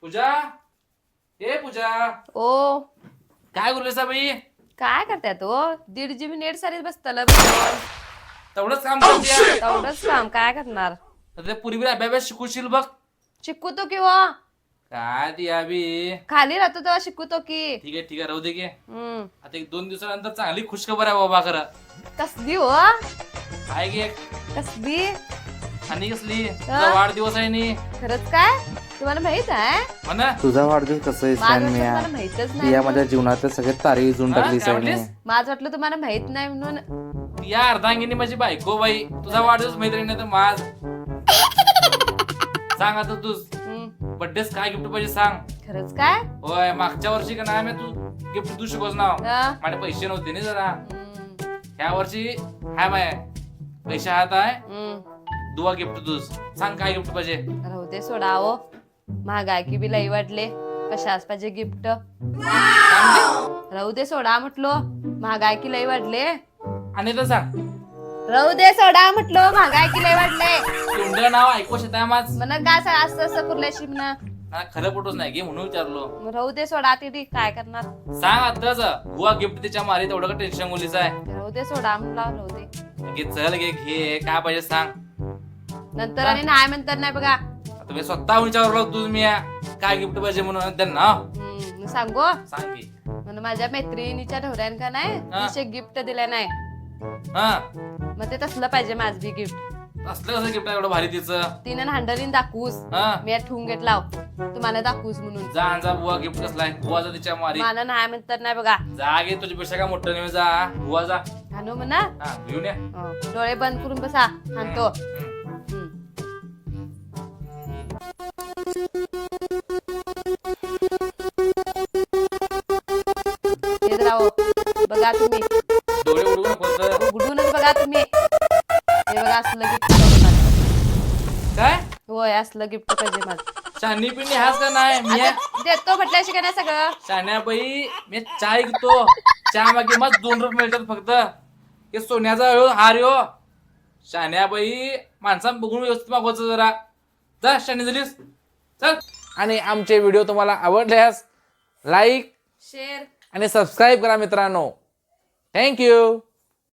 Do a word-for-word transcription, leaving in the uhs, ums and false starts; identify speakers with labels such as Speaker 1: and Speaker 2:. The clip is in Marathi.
Speaker 1: पूजा ए पूजा
Speaker 2: ओ
Speaker 1: काय बोलले बाई
Speaker 2: काय करताय तो दीड जीबी नेट सारीच बसतलं
Speaker 1: तेवढंच काम करते
Speaker 2: तेवढंच काम काय करणार
Speaker 1: पूर्वी अभ्यास शिकूशील बघ
Speaker 2: शिकू तो किंवा
Speaker 1: काय ती अभि
Speaker 2: खाली राहतो तेव्हा शिकू तो की
Speaker 1: ठीक आहे ठीक आहे राहू दे की
Speaker 2: हम्म
Speaker 1: आता एक दोन दिवसानंतर चांगली खुशखबर आहे बाबा खरं
Speaker 2: कसली हो
Speaker 1: काय घे
Speaker 2: कसली
Speaker 1: आणि कसली तुझा वाढदिवस आहे नी
Speaker 2: खरंच काय तुम्हाला माहित आहे
Speaker 1: म्हणा
Speaker 3: तुझा वाढदिवस कसं आहे
Speaker 2: माझं
Speaker 3: सॅन
Speaker 2: वाटलं
Speaker 3: मिया
Speaker 2: तुम्हाला माहितच नाही
Speaker 3: या माझ्या जीवनात सगळे तारे उजून
Speaker 1: हा?
Speaker 3: टाकली
Speaker 1: काय
Speaker 3: सॅन
Speaker 1: म्हणलीस?
Speaker 2: माझं वाटलं तुम्हाला माहित नाही म्हणून
Speaker 1: या अर्धांगिनी माझी बायको बाई तुझा वाढदिवस मैत्रीण नाही तर माझ सांग आता तू
Speaker 2: हम्म,
Speaker 1: बड्डेस काय गिफ्ट पाहिजे सांग
Speaker 2: खरंच काय
Speaker 1: होय मागच्या वर्षी का नाही मी तू गिफ्ट तू शिकवस नाव
Speaker 2: हा?
Speaker 1: माझे पैसे नव्हते ना जरा
Speaker 2: हम्म,
Speaker 1: ह्या वर्षी हाय माय पैसे हात आहे
Speaker 2: हम्म.
Speaker 1: दुवा गिफ्ट तुझ सांग काय गिफ्ट पाहिजे
Speaker 2: राहू दे सोडा हो महागाई की बी लई वाढले कशाच पाहिजे गिफ्ट राहू दे सोडा म्हटलो महागाई की लई वाढले
Speaker 1: आणि तर सांग
Speaker 2: राहू दे सोडा म्हटलो महागाई की लई वाढले
Speaker 1: तोंड नाव ऐकू शकता माझ
Speaker 2: म्हणा काय सा- असं असं कुर्ल्याशी म्हणा
Speaker 1: मला खरं पटवच नाही घे म्हणून विचारलो
Speaker 2: राहू दे सोडा तिथे काय करणार
Speaker 1: सांग आताच बुवा गिफ्ट त्याच्या मारी तेवढं का टेन्शन मुलीचं आहे
Speaker 2: राहू दे सोडा म्हणला राहू दे
Speaker 1: घे चल घे घे काय पाहिजे सांग
Speaker 2: नंतर आणि नाही म्हणतात नाही बघा
Speaker 1: आता मी स्वतः विचारलो तुझ मी काय गिफ्ट पाहिजे म्हणून त्यांना
Speaker 2: हम्म, सांगू
Speaker 1: सांग की
Speaker 2: म्हणून माझ्या मैत्रिणीच्या ढोऱ्यान का नाही
Speaker 1: हा.
Speaker 2: तिचे गिफ्ट दिले नाही
Speaker 1: हा
Speaker 2: मग ते तसलं पाहिजे माझ बी गिफ्ट
Speaker 1: असलं कसं गिफ्ट आहे एवढं भारी तिचं
Speaker 2: तिने हांडलीन दाखवूस
Speaker 1: हा
Speaker 2: मी ठेवून घेतला तुम्हाला दाखवूस म्हणून
Speaker 1: जा आणि जा बुवा गिफ्ट कसलाय बुवाचा तिच्या मारी
Speaker 2: मला नाही म्हणतात नाही बघा
Speaker 1: जा गे तुझ्यापेक्षा काय मोठं नाही जा बुवा जा
Speaker 2: हाणू म्हणा
Speaker 1: हा घेऊन या
Speaker 2: हो, डोळे बंद करून बसा आणतो
Speaker 1: हम्म.
Speaker 2: येत राहो बघा तुम्ही
Speaker 1: डोळे उडवू नको तर.
Speaker 2: उघडूनच बघा तुम्ही हे बघा असलं गिफ्ट पाहिजे मला
Speaker 1: काय
Speaker 2: होय असलं गिफ्ट पाहिजे मला
Speaker 1: शानी पिंडी हाच का नाही मी
Speaker 2: आता देतो म्हटल्याशी का नाही सगळं
Speaker 1: शाण्याबाई मी चाय घेतो चहा मागे मग दोन रुपये मिळतात फक्त हे सोन्याचा ह्यो हार यो शाण्याबाई माणसां बघून व्यवस्थित मागवायचं जरा जा शानी झालीस चल आणि आमचे व्हिडिओ तुम्हाला आवडल्यास लाईक
Speaker 2: शेर
Speaker 1: आणि सबस्क्राईब करा मित्रांनो थँक्यू